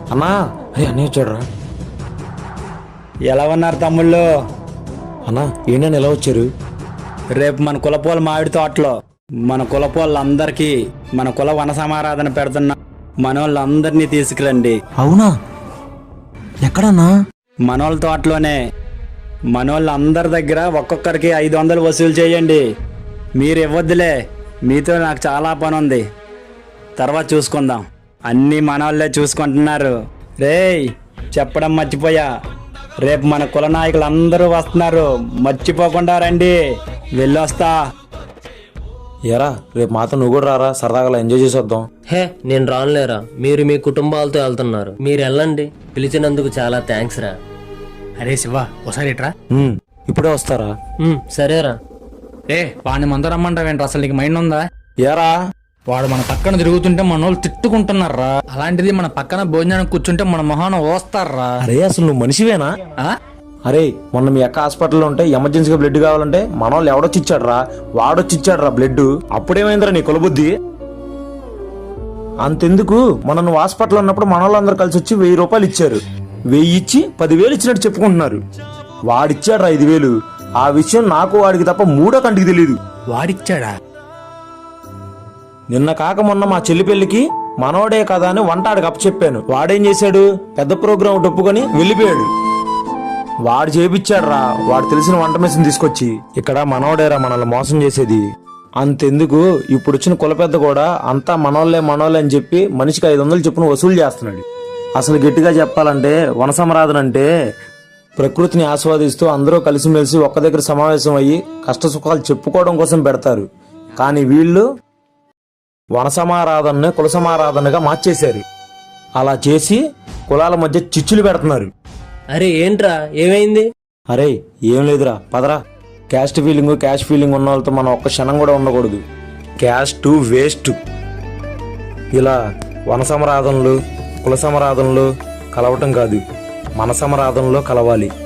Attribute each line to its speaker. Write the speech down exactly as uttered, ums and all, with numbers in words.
Speaker 1: అన్నా అరే అన్నీ వచ్చాడురా.
Speaker 2: ఎలా ఉన్నారు తమ్ముళ్ళు?
Speaker 1: అన్నా ఏంటని ఎలా వచ్చారు?
Speaker 2: రేపు మన కులపోల మామిడి తోటలో మన కులపోళ్ళందరికీ మన కుల వన సమారాధన పెడుతున్న మనోళ్ళందరినీ తీసుకురండి.
Speaker 1: అవునా? ఎక్కడన్నా?
Speaker 2: మనోళ్ళ తోటలోనే. మనోళ్ళందరి దగ్గర ఒక్కొక్కరికి ఐదు వందలు వసూలు చేయండి. మీరు ఇవ్వద్దులే, మీతో నాకు చాలా పని ఉంది, తర్వాత చూసుకుందాం. అన్నీ మనోళ్ళే చూసుకుంటున్నారు. రేయ్ చెప్పడం మర్చిపోయా, రేపు మన కుల నాయకులు అందరూ వస్తున్నారు, మర్చిపోకుండా రండి. వెళ్ళొస్తా.
Speaker 1: ఎరా రేపు మాత్రం నువ్వు కూడా రారా, సరదాగా ఎంజాయ్ చేసి వద్దాం.
Speaker 3: హే నేను రానులేరా, మీరు మీ కుటుంబాలతో వెళ్తున్నారు, మీరు వెళ్ళండి. పిలిచినందుకు చాలా థ్యాంక్స్ రా.
Speaker 4: అరే శివ ఒకసారి ఇట్రా.
Speaker 1: ఉమ్, ఇప్పుడే వస్తారా?
Speaker 3: ఉమ్, సరేరా.
Speaker 4: ఏ వాడిని మందు రమ్మంటావేంటి? అసలు నీకు మైండ్ ఉందా?
Speaker 1: ఎరా
Speaker 4: వాడు మన పక్కన తిరుగుతుంటే మన వాళ్ళు తిట్టుకుంటున్నారా, అలాంటిది మన పక్కన భోజనానికి కూర్చుంటే మన మొహాన ఓస్తారా.
Speaker 1: అరే అసలు నువ్వు మనిషివేనా?
Speaker 4: ఆ?
Speaker 1: అరే మొన్న మీ అక్క హాస్పిటల్లో ఉంటే ఎమర్జెన్సీగా బ్లడ్ కావాలంటే మన వాళ్ళు ఎవడొచ్చి ఇచ్చాడు రా, వాడొచ్చి ఇచ్చాడు రా బ్లడ్. అప్పుడేమైందిరా నీ కులబుద్ధి? అంతెందుకు, మన నువ్వు హాస్పిటల్ ఉన్నప్పుడు మన వాళ్ళందరూ కలిసి వచ్చి వెయ్యి రూపాయలు ఇచ్చారు. వెయ్యి ఇచ్చి పదివేలు ఇచ్చినట్టు చెప్పుకుంటున్నారు. వాడిచ్చాడు రా ఐదు వేలు. ఆ విషయం నాకు వాడికి తప్ప మూడో కంటికి తెలియదు.
Speaker 4: వాడిచ్చాడా?
Speaker 1: నిన్న కాక మొన్న మా చెల్లి పెళ్లికి మనోడే కదా అని వంటాడికి అప్పచెప్పాను. వాడేం చేశాడు, పెద్ద ప్రోగ్రాం ఒప్పుకొని వెళ్ళిపోయాడు. వాడు చేపిచ్చాడు రా, వాడు తెలిసిన వంట మెషిన్ తీసుకొచ్చి. ఇక్కడ మనోడేరా మనల్ని మోసం చేసేది. అంతెందుకు, ఇప్పుడు వచ్చిన కుల పెద్ద కూడా అంతా మనోళ్లే మనోళ్ళే అని చెప్పి మనిషికి ఐదు వందలు చొప్పున వసూలు చేస్తున్నాడు. అసలు గట్టిగా చెప్పాలంటే వన సమారాధన అంటే ప్రకృతిని ఆస్వాదిస్తూ అందరూ కలిసిమెలిసి ఒక్క దగ్గర సమావేశం అయ్యి కష్ట సుఖాలు చెప్పుకోవడం కోసం పెడతారు. కానీ వీళ్ళు వన సమారాధనని కుల సమారాధనగా మార్చేశారు. అలా చేసి కులాల మధ్య చిచ్చులు పెడుతున్నారు.
Speaker 3: అరే ఏంట్రా, ఏమైంది?
Speaker 1: అరే ఏం లేదురా, పదరా. క్యాస్ట్ ఫీలింగ్ క్యాష్ ఫీలింగ్ ఉన్న వాళ్ళతో మనం ఒక్క క్షణం కూడా ఉండకూడదు. Caste waste. ఇలా వన సమారాధనలు కుల సమారాధనలు కలవటం కాదు, మన సమారాధనలో కలవాలి.